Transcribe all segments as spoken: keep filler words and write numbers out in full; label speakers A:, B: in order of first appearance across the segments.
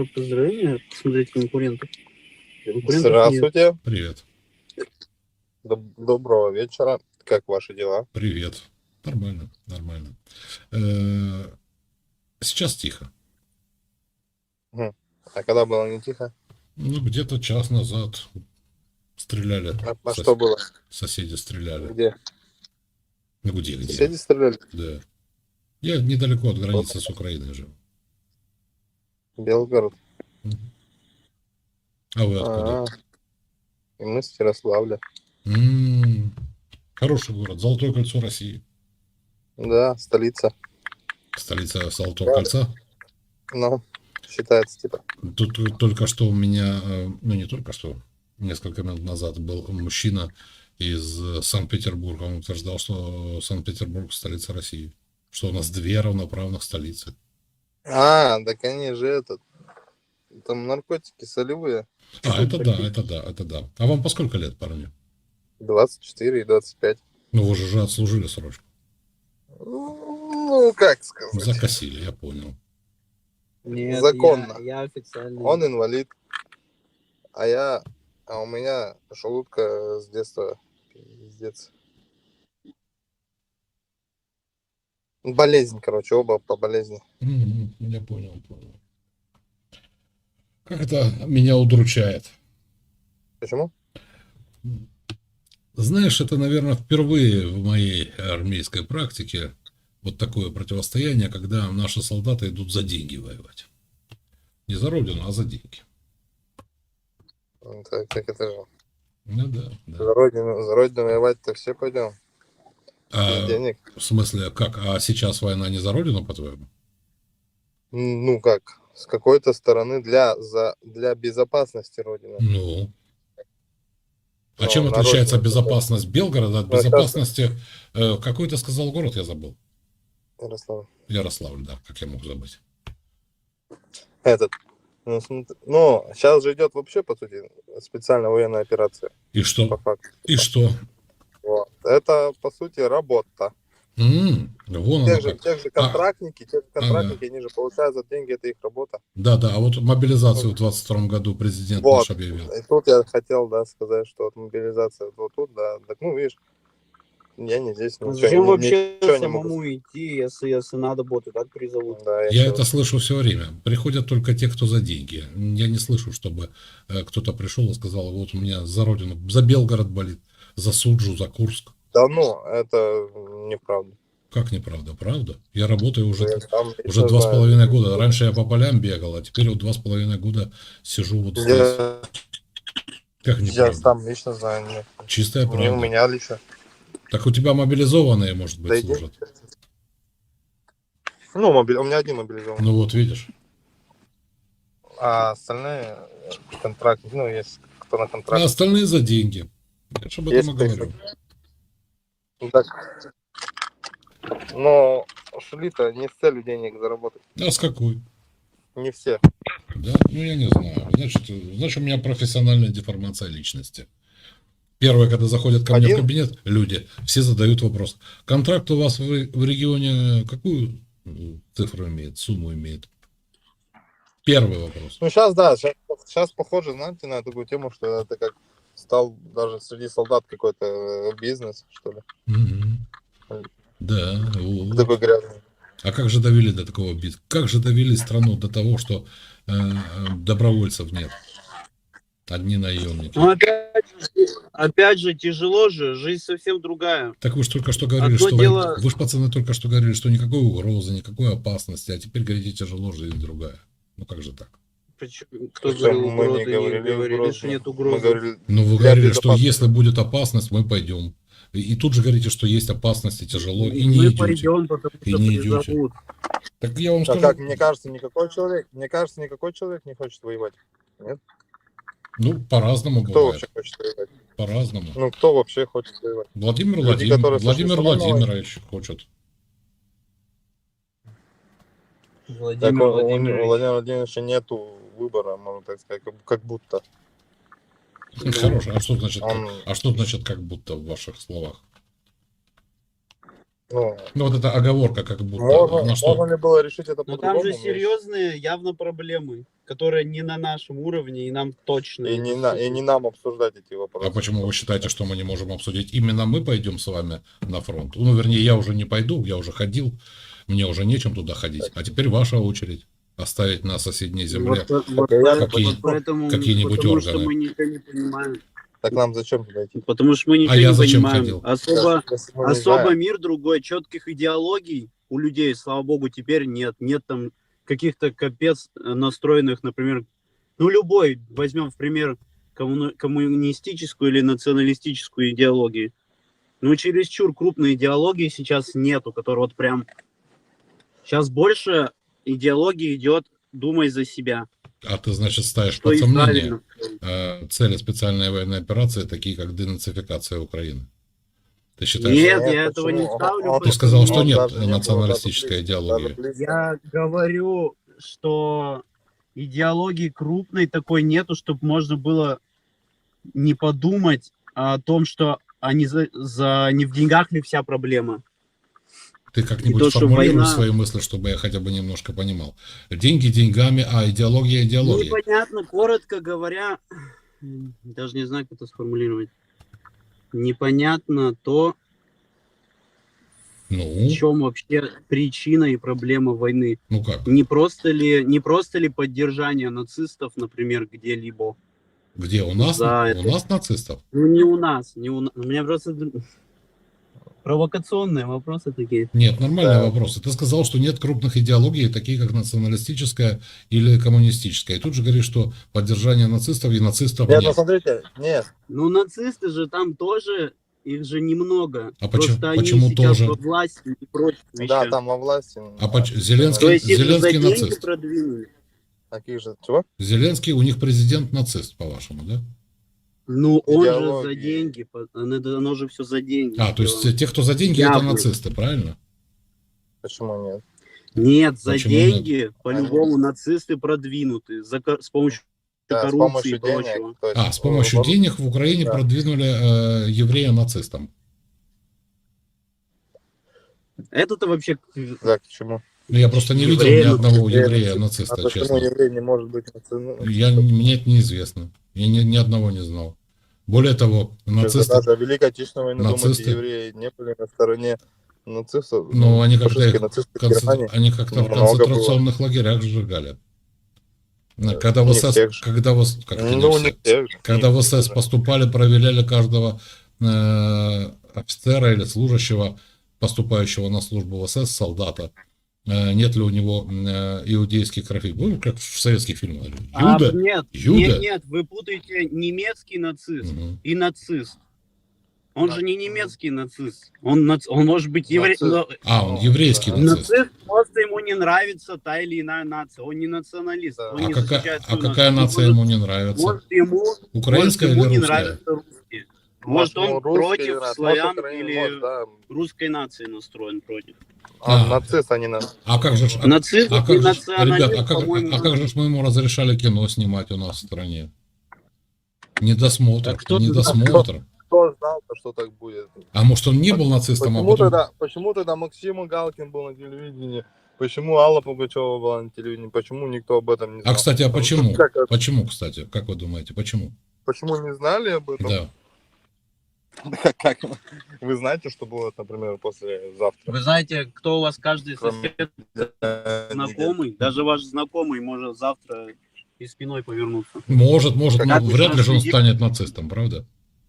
A: поздравления. Посмотрите конкурентов. Конкурентов нет.
B: Здравствуйте.
C: Привет.
B: Доб- Доброго вечера. Как ваши дела?
C: Привет. Нормально, нормально. Э, Сейчас тихо.
B: Мгм. А когда было не тихо?
C: Ну, где-то час назад стреляли.
B: А, а
C: Сос-
B: что было?
C: Соседи стреляли.
B: Где?
C: Ну, где, где?
B: Соседи стреляли?
C: Да. Я недалеко от границы с Украиной живу.
B: Белгород.
C: Мгм. А вы откуда?
B: А, и мы с Ярославля.
C: М, Хороший город. Золотое кольцо России.
B: Да, столица.
C: Столица Золотого
B: Да.
C: кольца.
B: Ну, считается типа.
C: Тут тут только что у меня, э, ну не только что, несколько минут назад был мужчина из э, Санкт-Петербурга. Он утверждал, что Санкт-Петербург столица России. Что у нас две равноправных столицы.
B: А, так они же этот. Там наркотики солевые.
C: А, это да, это да, это да. А вам по сколько лет, парни?
B: двадцать четыре и двадцать пять.
C: Ну, вы же уже отслужили срочку.
B: Ну, как сказать.
C: Закосили, я понял.
A: Нет,
B: Законно.
A: Я, я официально.
B: Он инвалид. А я... А у меня желудка с детства. Пиздец. Болезнь, короче, оба по болезни.
C: Мгм, я понял, понял. Как это меня удручает.
B: Почему?
C: Знаешь, это, наверное, впервые в моей армейской практике вот такое противостояние, когда наши солдаты идут за деньги воевать. Не за родину, а за деньги.
B: Так, так это же.
C: Ну да, да.
B: За родину, за родину воевать-то все пойдем. Без
C: А,
B: денег.
C: в смысле, как? А сейчас война не за родину, по-твоему?
B: Ну как? С какой-то стороны для, за, для безопасности родины.
C: Ну. А
B: Ну,
C: чем
B: на
C: отличается
B: родину,
C: безопасность Белгорода от
B: Ну, это-
C: безопасности... э, какой ты сказал город, я забыл?
B: Ярослав.
C: Ярославль, да, как я мог забыть.
B: Этот. Ну, смотри, ну, сейчас же идет вообще, по сути, специальная военная операция.
C: И
B: По
C: что?
B: факту.
C: И что?
B: Вот. Это, по сути, работа.
C: М, вон оно
B: Тех же,
C: как.
B: тех же
C: А,
B: контрактники, те же контрактники, они же получают за деньги, это их работа.
C: да, да, а вот мобилизацию в двадцать втором году президент
B: Вот.
C: наш объявил.
B: И тут я хотел, да, сказать, что вот мобилизация вот тут, да, так, ну, видишь, я не здесь,
A: А
B: ничего,
A: зачем
B: ни-
A: вообще
B: ничего не могу
A: самому идти, если, если надо будет, и так призовут?
B: Да, я
C: Я
B: всё-
C: это слышу все время. Приходят только те, кто за деньги. Я не слышу, чтобы э, кто-то пришел и сказал, вот у меня за родину, за Белгород болит, за Суджу, за Курск.
B: Да ну, это неправда.
C: Как неправда? Правда? Я работаю уже,
B: Я сам лично
C: уже два с
B: знаю.
C: половиной года. Раньше я по полям бегал, а теперь вот два с половиной года сижу вот здесь.
B: Я,
C: Как
B: я
C: неправда?
B: сам лично знаю. Нет.
C: Чистая
B: Не у
C: правда.
B: меня лично.
C: Так у тебя мобилизованные, может быть,
B: Да иди.
C: служат?
B: Ну, мобили... у меня один мобилизован.
C: Ну вот, видишь.
B: А остальные контрактники, ну, есть кто на
C: А
B: контракте.
C: остальные за деньги. Я же об этом
B: Есть
C: и говорю.
B: Ну, так. Но шли-то не с целью денег заработать.
C: А с какой?
B: Не все.
C: Да? Ну, я не знаю. Значит, значит, у меня профессиональная деформация личности. Первое, когда заходят ко мне
B: Один?
C: в кабинет, люди, все задают вопрос. Контракт у вас в, в регионе какую цифру имеет, сумму имеет? Первый вопрос.
B: Ну, сейчас, да, сейчас, сейчас похоже, знаете, на такую тему, что это как стал даже среди солдат какой-то э, бизнес, что ли.
C: Мгм. Да. Вот.
B: Такой грязный.
C: А как же довели до такого бизнеса? Как же довели страну до того, что э, добровольцев нет? Одни наемники.
A: Ну, опять, же- опять же, тяжело же, жизнь совсем другая.
C: Так вы же только что говорили,
A: Одно
C: что
A: дело-
C: вы, вы же, пацаны, только что говорили, что никакой угрозы, никакой опасности, а теперь говорите, тяжело, жизнь другая. Ну как же так?
A: Почему? Кто
B: Причем
A: говорил
B: мы
A: угрозы?
B: не
A: Не
B: говорили,
A: говорили,
B: угрозы.
A: что нет
B: Мы
A: угрозы.
B: говорили,
C: Ну вы
B: для
C: говорили, что
B: безопасности.
C: если будет опасность, мы пойдем. И, и тут же говорите, что есть опасность и тяжело, и не
A: Мы
C: идете.
A: пойдем, потому
C: И
A: что
C: не идете.
A: призовут.
C: Так я вам
B: А
C: скажу,
B: как, мне кажется, никакой человек, мне кажется, никакой человек не хочет воевать.
C: ну по-разному
B: Кто
C: бывает.
B: вообще хочет воевать?
C: По-разному.
B: Ну, кто вообще хочет воевать?
C: Владимир,
B: Люди,
C: Владимир,
B: которые
C: Владимир
B: сошли с ума на
C: Владимирович хочет.
A: Владимир
B: Так, у, у
A: Владимирович.
B: Владимира Владимировича нету выбора, можно так сказать, как, как будто.
C: Хорошо. А что значит,
B: Он-
C: а что значит как будто в ваших словах?
B: Ну,
C: Ну, вот эта оговорка, как будто,
B: можно,
C: на что?
B: можно ли было решить это
A: Но там
B: по-другому?
A: же
B: Мне
A: серьезные явно проблемы, которые не на нашем уровне, и нам точно
B: И
A: это
B: не, на, и
A: всё-
B: не нам обсуждать эти
C: А
B: вопросы.
C: почему вы считаете, что мы не можем обсудить? Именно мы пойдем с вами на фронт? Ну, вернее, я уже не пойду, я уже ходил, мне уже нечем туда ходить. А теперь ваша очередь оставить на соседней земле
A: Вот, вот,
B: я
A: по-
C: какие-
A: вот поэтому,
C: какие-нибудь
A: потому что
C: органы.
A: мы ничего не понимаем.
B: Так нам зачем туда идти?
A: Потому что мы ничего
C: А я
A: не
C: зачем
A: понимаем.
C: ходил?
A: Особо,
B: Если мы не
A: особо
B: знаем.
A: мир другой, четких идеологий у людей, слава богу, теперь нет. Нет там каких-то капец настроенных, например, ну любой, возьмем в пример коммуни- коммунистическую или националистическую идеологию. Ну чересчур крупной идеологии сейчас нету, которая вот прям... Сейчас больше идеологии идет «думай за себя».
C: А ты, значит, ставишь
A: Что
C: под
A: и
C: сомнение
A: правильно.
C: э, цели специальной военной операции, такие как денацификация Украины. Ты считаешь,
A: Нет,
B: Нет,
A: я этого не
B: почему?
A: ставлю.
B: Он-
C: Ты сказал,
A: потому-
C: что
B: он
C: нет
B: даже не был
C: националистической
B: даже близко,
C: идеологии.
B: даже близко.
A: Я говорю, что идеологии крупной такой нету, чтобы можно было не подумать о том, что они за, за не в деньгах ли вся проблема.
C: Ты
A: И
C: как-нибудь
A: то, что
C: сформулируй
A: война-
C: свои мысли, чтобы я хотя бы немножко понимал. Деньги деньгами, а идеология идеологией.
A: Непонятно, коротко говоря, даже не знаю, как это сформулировать. Непонятно то,
C: Ну,
A: в чем вообще причина и проблема войны.
C: ну как?
A: Не просто ли, не просто ли поддержание нацистов, например, где-либо?
C: Где? У нас,
A: За
C: у
A: это.
C: нас нацистов?
A: Ну, не у нас, не у нас. У меня просто провокационные вопросы такие.
C: Нет, нормальные
B: Да.
C: вопросы. Ты сказал, что нет крупных идеологий, такие как националистическая или коммунистическая. И тут же говоришь, что поддержание нацистов и нацистов
B: Нет, ну
C: нет.
B: смотрите, нет.
A: Ну, нацисты же там тоже, их же немного.
C: А
A: Просто
C: почему-
A: они
C: почему
A: сейчас
C: тоже?
A: во власти и прочие
B: Да,
A: вещи.
B: там во власти.
C: А поч- Зеленский-
A: То есть их же за
C: Зеленский
A: деньги
C: нацист.
A: продвинули.
B: Таких же, чего?
C: Зеленский у них президент нацист, по-вашему, да?
A: Ну, он же за
B: Идеологии.
A: деньги. по- Оно, оно же все за деньги.
C: А, то есть
A: сделано.
C: те, кто за деньги,
A: Явно.
C: это нацисты, правильно?
B: Почему нет?
A: Нет, за
C: Почему
A: деньги по-любому нацисты продвинуты. За, ко- с помощью
B: Да, с
A: коррупции
B: помощью
A: и прочего.
B: денег. то есть,
C: А, с помощью
B: ну,
C: денег в Украине
B: Да.
C: продвинули э, еврея нацистам.
A: Это-то вообще...
B: Да, к чему?
C: Ну, я просто не видел
A: Евреи
C: ни одного
B: Евреи
C: еврея
B: нацисты.
C: нациста,
B: А почему
C: честно.
B: еврей не может быть нацистом?
C: Я, мне это неизвестно. Я ни, ни одного не знал. Более того, нацисты,
B: Даже в Великой Отечественной войне, думаете,
C: нацисты-
B: евреи не были на стороне нацистов?
C: ну, они как-то
B: фашистские
C: их
B: нацисты в
C: концентр-
B: Германии.
C: они как-то в
B: много
C: концентрационных лагерях сжигали. Когда в
B: не
C: СС,
B: всех же.
C: когда в, с- как это не
B: Ну,
C: все?
B: не всех же.
C: Когда в
B: Не
C: СС
B: всех же.
C: поступали, проверяли каждого э, офицера или служащего, поступающего на службу в СС, солдата, э, нет ли у него э, иудейских кровей. Ну, как в советских фильмах.
A: А,
C: Юда?
A: нет,
C: Юда?
A: нет, нет, вы путаете немецкий нацист
C: Мгм.
A: и нацист. Он
B: Да.
A: же не немецкий нацист. Он, нац- он может быть еврей.
B: Нацист.
C: А, он
B: Ну,
C: еврейский
B: да.
C: нацист.
A: Нацист, просто ему не нравится та или иная нация. Он не националист.
B: Да.
A: Он
C: А
A: не
C: какая,
A: защищает
C: а
A: свою
C: какая
A: нацию.
C: нация ему не нравится?
A: Может, ему,
C: Украинская
A: может, ему
C: или
A: не
C: русская?
A: нравятся русские. Может, он
B: ну, русский
A: против
B: нравится,
A: славян
B: может, украинец,
A: или
B: может, да.
A: русской нации настроен против.
B: А,
C: А.
B: нацист, а не на...
C: А как же, ж- а,
A: Нацист
C: а
A: и
C: как же, ж-
A: националист,
C: ребят, а как,
A: по-моему,
C: а как же ж мы ему разрешали кино снимать у нас в стране? Недосмотр,
A: А кто-
C: недосмотр.
B: Кто знал-то, что так будет?
C: А может он не был нацистом, а
B: Почему
C: потом...
B: тогда, почему тогда Максим Галкин был на телевидении? Почему Алла Пугачева была на телевидении? Почему никто об этом не знал?
C: А, кстати, а почему?
B: Как, это-
C: Почему, кстати? Как вы думаете, почему?
B: почему не знали об этом?
C: Да.
B: Как, вы знаете, что будет, например, после завтра?
A: Вы знаете, кто у вас каждый
B: Кроме-
A: сосед знакомый, даже ваш знакомый может завтра и спиной повернуться.
C: Может, может,
B: Как
C: но
A: вы
C: вряд ли же он
A: следите?
C: станет нацистом, правда?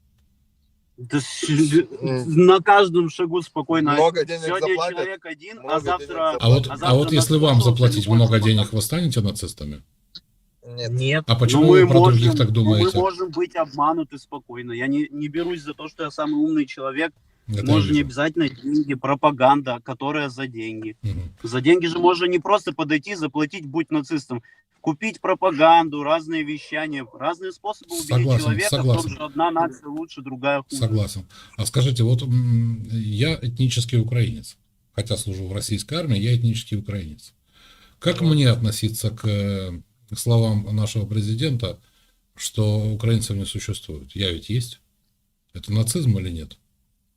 A: Да с- на каждом шагу спокойно.
B: Много денег
A: Сегодня
B: заплатят,
A: человек один,
B: много
A: а
B: денег
A: завтра...
C: А вот,
A: А
C: а
A: завтра
C: вот если вам
A: наслушался
C: заплатить
A: любой
C: много
A: чемодан.
C: денег, вы станете нацистами?
B: Нет.
A: Нет.
C: А почему
A: но мы
C: вы про
A: можем,
C: других так
A: но
C: думаете?
A: Мы можем быть обмануты спокойно. Я не, не берусь за то, что я самый умный человек.
C: Это я
A: Можно не
C: вижу.
A: обязательно деньги, пропаганда, которая за деньги.
C: Мгм.
A: За деньги же можно не просто подойти, заплатить, будь нацистом. Купить пропаганду, разные вещания, разные способы убедить
C: Согласен,
A: человека,
C: согласен.
A: в том, что одна нация лучше, другая хуже.
C: Согласен. А скажите, вот м, я этнический украинец, хотя служу в российской армии, я этнический украинец. Как мне относиться к э, словам нашего президента, что украинцев не существует? Я ведь есть. Это нацизм или нет?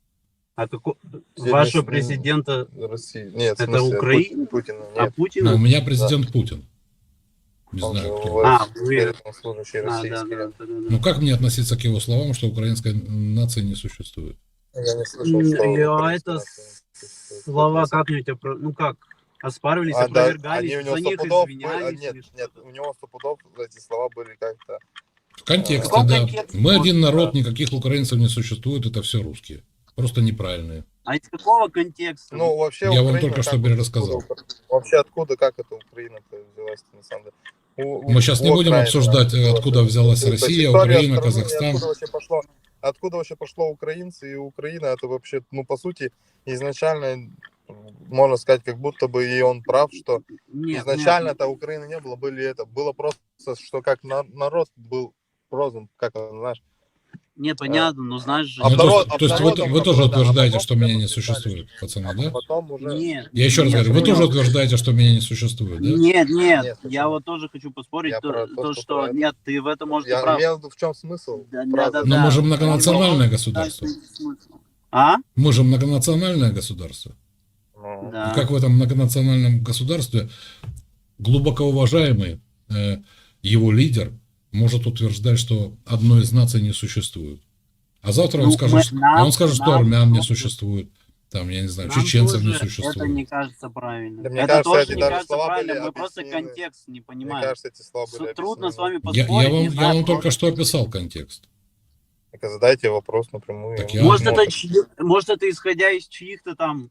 A: А какой...
B: Здесь
A: Вашего
B: не-
A: президента...
B: России. Нет, в
A: Это
B: смысле,
A: Украина?
B: Пу- Путина.
A: А
B: Нет,
A: Путина?
C: Но у меня президент Путин. Не
B: он же
C: знаю, кто.
B: вот
A: А, вы-
B: военнослужащий
A: А, да,
B: российский.
A: да, да, да, да.
C: Ну как мне относиться к его словам, что украинской нации не существует?
B: Я не слышал,
A: М,
B: что...
A: я-
B: украинская
A: это
B: нация существует.
A: Слова
B: Просто-
A: как-нибудь, опро- ну как, оспаривались,
B: А, да,
A: опровергались,
B: они у него
A: за них
B: сто пудов были-
A: извинялись.
B: а, нет,
A: или
B: нет,
A: что-то.
B: у него сто пудов эти слова были как-то...
C: В контексте,
A: В каком
C: да.
A: контексте?
C: Мы один народ,
B: Да.
C: никаких украинцев не существует, это все русские. Просто неправильные.
A: А из какого контекста?
B: Ну, вообще
C: Я вам
B: Украина,
C: только
B: как
C: что
B: вот
C: перерассказал.
B: откуда- Вообще откуда, как это Украина-то взялась на самом деле? У- у-
C: Мы сейчас не
B: у
C: будем
B: Украины,
C: обсуждать,
B: да,
C: откуда
B: вот.
C: взялась
B: То есть
C: Россия,
B: история
C: Украина,
B: страны,
C: Казахстан.
B: Откуда вообще пошло, откуда вообще пошло украинцы и Украина, это вообще, ну, по сути, изначально, можно сказать, как будто бы и он прав, что
A: Нет,
B: изначально-то Украины не было, были это, было просто, что как на- народ был розен, как он, знаешь.
A: нет, понятно, но знаешь же...
B: А
C: Ну, то
B: народ-
C: есть, то есть вы,
B: народом
C: вы тоже
B: было, да, а
C: утверждаете,
B: потом
C: что меня
B: прямо
C: не
B: писали.
C: существует, пацаны, да?
B: Потом уже...
A: Нет,
C: Я еще раз
A: нет,
C: говорю, вы
A: понял.
C: тоже утверждаете, что меня не существует, да?
A: Нет, нет,
B: Нет,
A: я
B: почему?
A: вот тоже хочу поспорить,
B: Я
A: то,
B: про
A: то,
B: то, что
A: что
B: про это.
A: нет, ты в этом может и
B: Я
A: прав.
B: имел в виду, в чем смысл
A: Да,
B: фразы.
A: да,
C: Но
A: да.
C: мы же многонациональное государство.
A: А?
C: Мы же многонациональное государство.
B: Ну,
A: Да.
C: И как в этом многонациональном государстве глубоко уважаемый э, его лидер может утверждать, что одной из наций не существует. А завтра он
A: Ну,
C: скажет,
A: мы-
C: что-
A: нам-
C: а он скажет, что
A: нам
C: армян не
A: просто-
C: существует. Там, я не знаю,
A: Нам
C: чеченцев не
A: тоже
C: существует.
A: Это не кажется правильно.
B: Да мне
A: это
B: кажется,
A: тоже
B: эти
A: не
B: даже
A: кажется
B: слова
A: правильно,
B: были
A: мы просто
B: объяснены.
A: контекст не
B: Мне
A: понимаем.
B: кажется, эти слова были
A: С- Трудно с
B: объяснены.
A: вами
C: Я,
A: поспорить.
C: я вам,
A: не
C: я
A: знаю,
C: вам только
A: просто-
C: что описал контекст.
B: Так задайте вопрос напрямую.
C: Так
B: и
C: я-
B: он
A: Может,
B: сможет.
A: это, чьи- может, это исходя из чьих-то там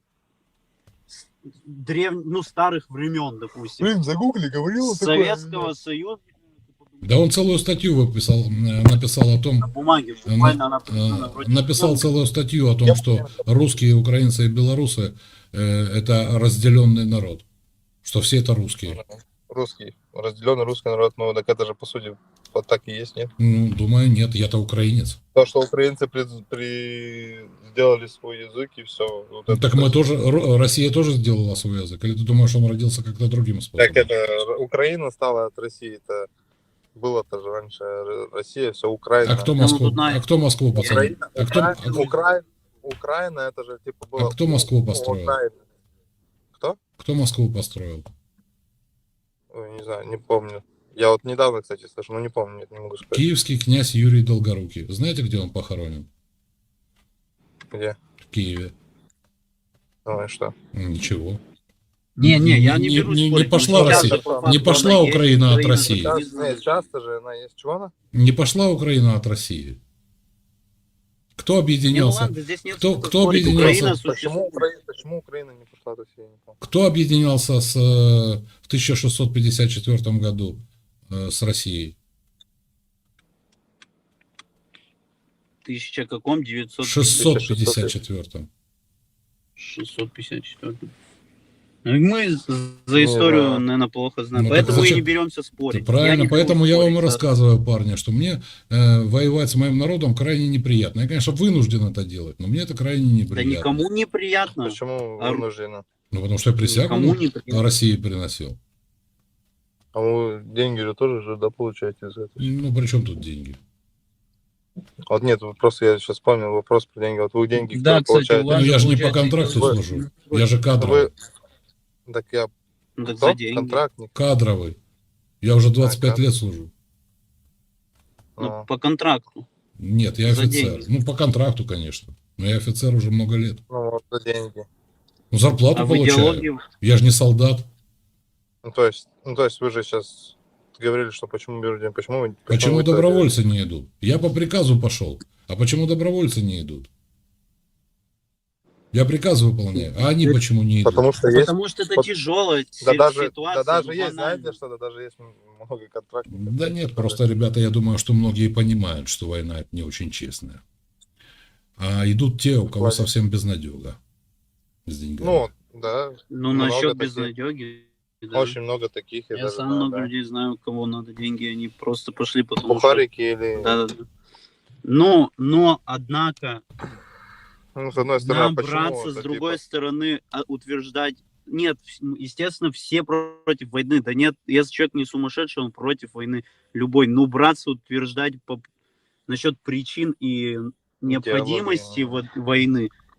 A: древ... ну, старых времен, допустим.
B: Блин, загугли, говорил
A: Советского Союза
C: Да он целую статью выписал, э, написал о том,
A: на бумаге.
C: э,
A: Буквально она
C: э,
A: написана вроде-
C: написал целую статью о том,
B: Я
C: что русские, украинцы и белорусы э, это разделенный народ, что все это русские.
B: Русский, разделенный русский народ, ну так это же по сути вот так и есть, нет?
C: Ну, думаю, нет, я-то украинец.
B: То, что украинцы при... при- сделали свой язык и все. Вот
C: Ну,
B: это
C: так мы
B: то-
C: тоже, Ро- Россия тоже сделала свой язык. Или ты думаешь, он родился как-то другим способом?
B: Так это Р- Украина стала от России, это было-то же раньше Р- Россия, все Украина.
C: А кто
A: Ну,
C: Москву?
A: тут на-
C: А кто Москву, пацаны?
B: Украина,
C: А кто,
B: Украина,
C: а-
B: Украина, Украина, это же типа было...
C: А кто Москву
B: у
C: построил?
B: Украины. Кто?
C: кто Москву построил?
B: Ой, не знаю, не помню. Я вот недавно, кстати, слышал, но не помню, нет, не могу сказать.
C: Киевский князь Юрий Долгорукий. Знаете, где он похоронен?
B: Где?
C: В Киеве.
B: Ну и что?
C: Ничего.
A: Не, не, я не,
C: Не-
A: берусь
C: не- не
A: спорить.
C: пошла
A: Ну, сейчас
B: Россия.
A: же по
B: Не
A: факту
C: пошла
A: она есть,
C: Украина от
A: Украина
C: России.
A: же не
B: Часто,
A: знает.
B: нет, часто же она есть. Чего она?
C: Не пошла Украина от России. Кто
A: Не, ну
C: объединялся?
A: ладно, здесь нет
C: Кто-
A: смысла
C: кто
A: спорить.
C: объединялся?
A: Украина
B: Почему
A: существует.
B: Украина, почему Украина не пошла до России? Не помню.
C: Кто объединялся с, э, в тысяча шестьсот пятьдесят четвёртом году э, с Россией?
A: Тысяча каком? девятьсот
C: В шестьсот пятьдесят четвёртом.
A: шестьсот пятьдесят четыре. Ну, Мы за историю,
B: знаю.
A: наверное, плохо знаем.
C: Ну, так
A: Поэтому и
C: зачем?
A: не беремся спорить.
C: Правильно,
A: Я не берусь
C: поэтому я вам и
A: спорить, да.
C: рассказываю, парни, что мне э, воевать с моим народом крайне неприятно. Я, конечно, вынужден это делать, но мне это крайне
A: Да
C: неприятно.
A: никому не приятно.
B: Почему
A: А-
B: вынуждена?
C: Ну, потому что я присягу
A: Никому не приятно.
C: России приносил.
B: А вы деньги же тоже же, да, получаете за это?
C: Ну, при чем тут деньги?
B: Вот нет, вот просто я сейчас вспомнил вопрос про деньги. Вот вы деньги
A: Да,
B: кто
A: кстати, у
B: получаете?
A: вас
C: Ну,
A: же
C: я же не по
A: получается,
C: контракту
B: вы-
C: служу. Я же кадровый.
B: Вы... Так я
A: Ну, так
B: кто?
A: за деньги.
B: Контрактник.
C: Кадровый. Я уже двадцать пять
B: А,
C: лет служу.
A: Ну,
B: А,
A: по контракту.
C: Нет, я
A: За
C: офицер.
A: деньги.
C: Ну, по контракту, конечно. Но я офицер уже много лет.
B: ну, вот за деньги.
C: Ну, зарплату
A: А в
C: получаю.
A: идеологии...
C: Я же не солдат.
B: Ну, то есть, ну, то есть вы же сейчас говорили, что почему берут деньги, почему вы...
C: Почему
B: вы это-
C: добровольцы не идут? Я по приказу пошел. А почему добровольцы не идут? Я приказ выполняю, а они почему не идут?
B: Потому что есть...
A: Потому что это
B: Вот-
A: тяжелая
B: Да
A: си-
B: даже,
A: ситуация.
B: да даже
A: ну,
B: есть,
A: банально.
B: знаете, что да даже есть много контрактников.
C: Да нет, просто, ребята, я думаю, что многие понимают, что война это не очень честная. А идут те, у кого
B: Ладно.
C: совсем безнадега с деньгами.
B: Ну, да,
A: Ну,
B: много
A: насчет
B: таких.
A: безнадеги. да.
B: очень много таких.
A: Я
B: даже
A: сам
B: знаю,
A: много
B: да.
A: людей знаю, кому надо деньги, они просто пошли, потому что...
B: Бухарики или...
A: Да, да, да. Но, но, однако,
B: Ну, с одной стороны, а
A: нам
B: почему
A: браться,
B: это,
A: с другой
B: типа,
A: стороны, а, утверждать... Нет, вс- естественно, все против войны. Да нет, если человек не сумасшедший, он против войны любой. Но браться, утверждать по... насчет причин и необходимости
B: Идеологии,
A: вот войны,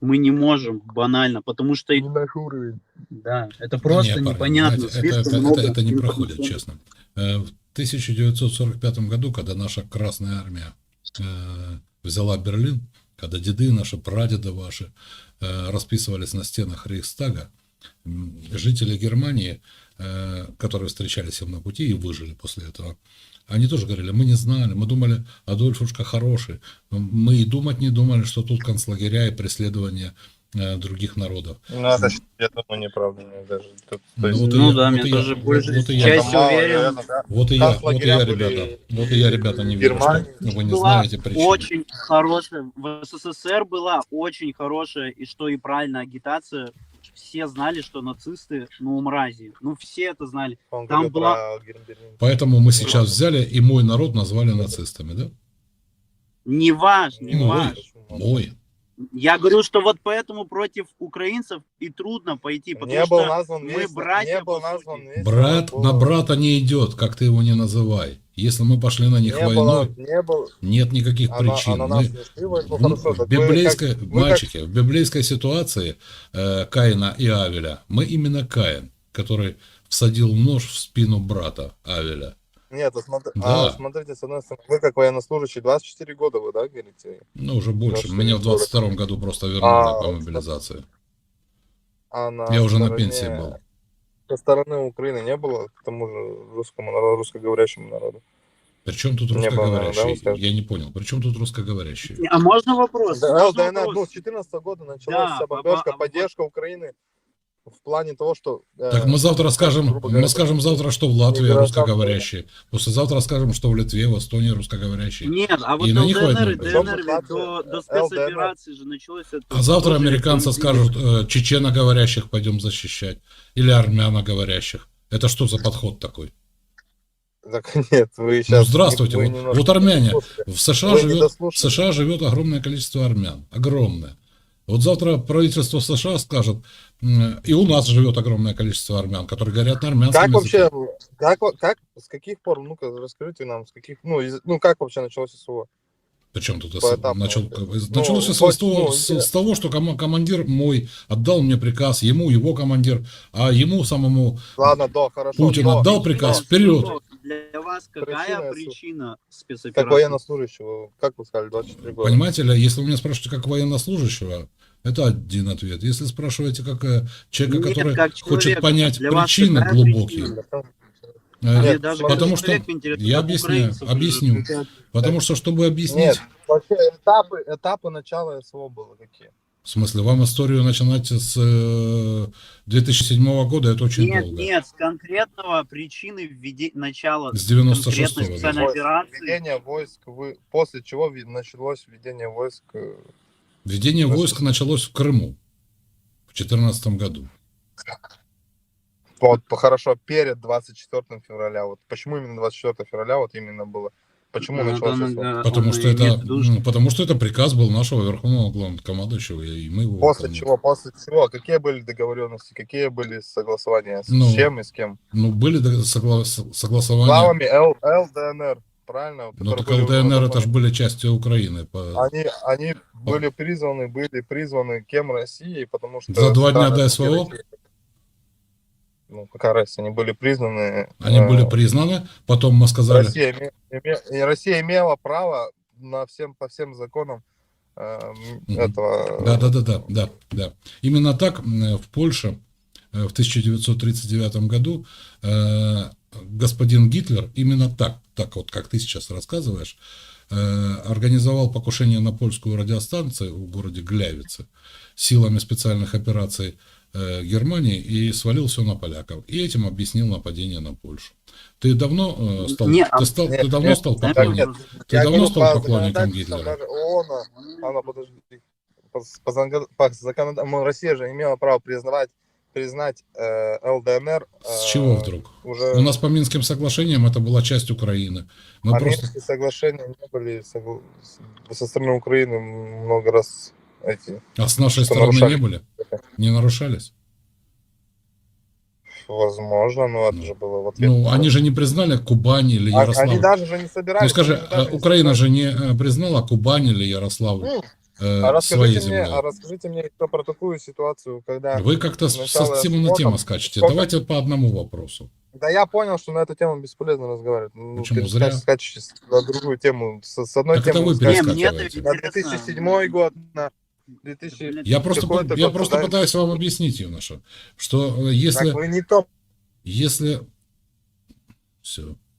A: Мы не можем, банально, потому что,
B: Не наш уровень.
A: да, это
C: Да
A: просто
C: не, парни,
A: непонятно.
C: знаете, это,
A: Слишком
C: это,
A: много
C: это, это не проходит,
A: информационных-
C: честно. Э, В тысяча девятьсот сорок пятом году, когда наша Красная Армия э, взяла Берлин, когда деды наши, прадеды ваши э, расписывались на стенах Рейхстага, м, жители Германии, э, которые встречались им на пути и выжили после этого, они тоже говорили, мы не знали, мы думали, Адольфушка хороший, мы и думать не думали, что тут концлагеря и преследования э, других народов.
B: Ну, это, ж, я думаю, неправда. мне даже. Тут, то
C: Ну,
B: есть,
C: вот и
A: Ну
C: я-
A: да,
C: вот
A: мне
C: и я-
A: тоже
C: вот-
A: больше
C: вот и я-
B: это
A: частью
B: мало,
A: уверен.
B: наверное, да?
C: Вот и я, вот и
B: Концлагеря
C: я,
B: были
C: ребята, вот и
B: и
C: я, ребята, не
B: в
C: верю, что
B: Германии.
C: вы не
A: Была
C: знаете причины.
A: очень хорошая, в СССР была очень хорошая, и что и правильно, агитация. Все знали, что нацисты, ну, мрази. Ну, все это знали.
B: Он
A: Там
B: говорил
A: была-
B: про Германию.
C: Поэтому мы сейчас взяли и мой народ назвали нацистами, да?
A: Не ваш, не
C: Ну,
A: ваш.
C: Мой.
A: Я говорю, что вот поэтому против украинцев и трудно пойти, потому
B: Не
A: что
B: был назван
A: мы
B: весь,
A: братья,
B: не был
A: по
B: назван
A: сути.
B: весь
C: Брат
B: народ,
C: на
B: был-
C: брата не идет, как ты его не называй. Если мы пошли на них
B: не было,
C: войной,
B: не был,
C: нет никаких
B: а на,
C: причин.
B: а на
C: Мы-
B: нас не шли войну,
C: в,
B: хорошо,
C: в
B: так вы
C: библейской,
B: как- вы как-
C: мальчики, в библейской ситуации э, Каина и Авеля, мы именно Каин, который всадил нож в спину брата Авеля.
B: Нет, а смотри-
C: Да.
B: а смотрите, с одной стороны, вы как военнослужащий, двадцать четыре года вы, да, говорите?
C: Ну, уже больше.
B: что
C: Меня
B: не
C: в двадцать втором году просто вернули
B: А,
C: по мобилизации.
B: А на
C: Я уже на
B: стороне-
C: пенсии был.
B: Со стороны Украины не было к тому же русскому народу, русскоговорящему народу.
C: Причем тут
B: Не было, да,
C: русскоговорящие?
B: вы скажете?
C: Я не понял. Причем тут русскоговорящие?
A: А можно вопрос?
B: Да,
A: Можно
B: ЛДНР, ну,
A: вопрос?
B: с четырнадцатого года началась
A: Да,
B: вся
A: а-
B: бомбежка,
A: а- а-
B: поддержка Украины в плане того, что... э,
C: Так мы завтра скажем,
B: грубо говоря,
C: мы скажем завтра, что в Латвии
B: гражданская
C: русскоговорящие. Послезавтра скажем, что в Литве, в Эстонии русскоговорящие.
A: Нет, а вот
C: И на них
A: ЛДНР и
C: войну пойдем.
A: ДНР ведь
B: Причем
A: до,
B: тут
A: до
B: ЛДНР?
A: спецоперации же началось это.
C: А завтра
A: тоже
C: американцы
A: никто не
C: скажут, э, чеченоговорящих пойдем защищать. Или армяноговорящих. Это что за подход такой?
B: Так нет, вы
C: Ну,
B: сейчас...
C: здравствуйте.
B: вы
C: Вот,
B: немножко
C: вот армяне.
B: не дослушали.
C: В США,
B: Вы не
C: живет, в
B: дослушали.
C: США живет огромное количество армян. Огромное. Вот завтра правительство США скажет, м, и у нас живет огромное количество армян, которые говорят на армянском
B: Как
C: языке.
B: вообще, как, во- как, с каких пор, ну-ка, расскажите нам, с каких, ну, из- ну как вообще началось СВО?
C: Причем тут
B: Поэтапно
C: начал,
B: вообще.
C: началось
B: Ну,
C: с,
B: хоть,
C: того,
B: ну,
C: с-
B: интересно.
C: с того, что кома- командир мой отдал мне приказ, ему его командир, а ему самому
B: Ладно, да, хорошо.
C: Путин
B: но
C: отдал приказ,
A: Нет,
C: вперед.
A: ну, Для вас какая
B: Причина,
A: причина
B: Как
A: спецоперации?
B: военнослужащего, как вы сказали, двадцать четыре года?
C: Понимаете ли, если вы меня спрашиваете как военнослужащего, это один ответ. Если спрашиваете как э, человека,
A: Нет,
C: который
A: как
C: хочет
A: человека.
C: понять
A: Для вас
C: причины
A: какая
C: глубокие,
A: причина?
C: э,
A: Мне
B: Нет,
A: даже
B: потому
A: как
C: что-
A: человек интересно,
C: я
A: как
C: объясняю,
A: украинцев же.
C: объясню. потому что, чтобы объяснить,
B: Нет, вообще этапы, этапы начала СВО было какие?
C: в смысле, вам историю начинать с э, две тысячи седьмого года, это очень
A: Нет,
C: долго.
A: нет, с конкретного причины введи... начала
C: С девяносто
A: конкретной
C: шестого года.
A: специальной операции.
B: Введение войск, вы, после чего ви- началось введение войск? э,
C: Введение
B: Просто-
C: войск началось в Крыму в две тысячи четырнадцатом году.
B: Вот, по- хорошо, перед двадцать четвёртым февраля. Вот почему именно двадцать четвёртого февраля вот именно было? Почему
A: Ну,
B: началось
A: да,
B: СВО?
A: да,
C: Потому
A: он
C: что, это,
A: имеет в виду, что-
C: ну, потому что это приказ был нашего верховного главнокомандующего, и мы его
B: После
C: выполняли.
B: чего? После чего? Какие были договоренности? Какие были согласования? С
C: Ну,
B: чем и с кем?
C: Ну, были дог- согла- с- согласования.
B: Главами Л- ЛДНР, правильно?
C: Ну,
B: Которые
C: так
B: были
C: ЛДНР это
B: уже
C: же были частью Украины. по-
B: Они, они были призваны, были призваны кем Россией, потому что...
C: За два дня
B: страны
C: до
B: России-
C: СВО?
B: Ну, какая разница? Они были признаны...
C: Они
B: э,
C: были признаны, потом мы сказали,
B: Россия, име- име- и Россия имела право на всем, по всем законам э,
C: Мгм.
B: этого...
C: да, да, да, да, да, да. Именно так м, в Польше э, в тысяча девятьсот тридцать девятом году э, господин Гитлер именно так, так вот, как ты сейчас рассказываешь, э, организовал покушение на польскую радиостанцию в городе Глявице силами специальных операций э, Германии и свалил все на поляков. И этим объяснил нападение на Польшу. Ты давно э, стал,
A: Не,
C: ты стал,
B: нет,
C: ты давно
B: нет,
C: стал
A: да,
C: поклонником?
A: нет.
C: Ты
B: Я
C: давно
B: говорю,
C: стал
B: по
C: поклонником
B: законодательству
C: Гитлера?
B: даже ООН, она, подожди, по, по, закон- по законодательству, Россия же имела право признавать, признать э, ЛДНР. э,
C: С чего вдруг?
B: Уже
C: У нас по Минским соглашениям это была часть Украины. Мы
B: а
C: просто...
B: Минские соглашения не были согла- с- со стороны Украины много раз эти,
C: А с нашей
B: что
C: стороны
B: нарушали.
C: не были? Не нарушались?
B: возможно, но это
C: Ну,
B: же было в ответ.
C: Ну, они же не признали Кубань или
B: А-
C: Ярославль.
B: Они даже же не собирались.
C: Ну, скажи,
B: они даже
C: а
B: не
C: Украина
B: собирались.
C: же не э, признала Кубань или Ярославль?
B: Ну,
C: э,
B: А
C: своей
B: расскажите мне,
C: землей.
B: а расскажите мне еще про такую ситуацию, когда
C: Вы как-то с-
B: сначала
C: со темы на тему
B: спортом,
C: скачете.
B: сколько-
C: Давайте по одному вопросу.
B: Да я понял, что на эту тему бесполезно разговаривать. Ну,
C: Почему? Зря.
B: перескач- скачете на другую тему. С, с одной
C: Так это
B: темы
C: вы
B: вы скачете
A: Не, мне это
C: перескакиваете.
B: на две тысячи седьмой год, на две тысячи...
C: Я просто,
B: какой-то
C: я
B: год,
C: просто
B: да?
C: пытаюсь вам объяснить, юноша, что э, если,
B: Так вы не то.
C: если... Все.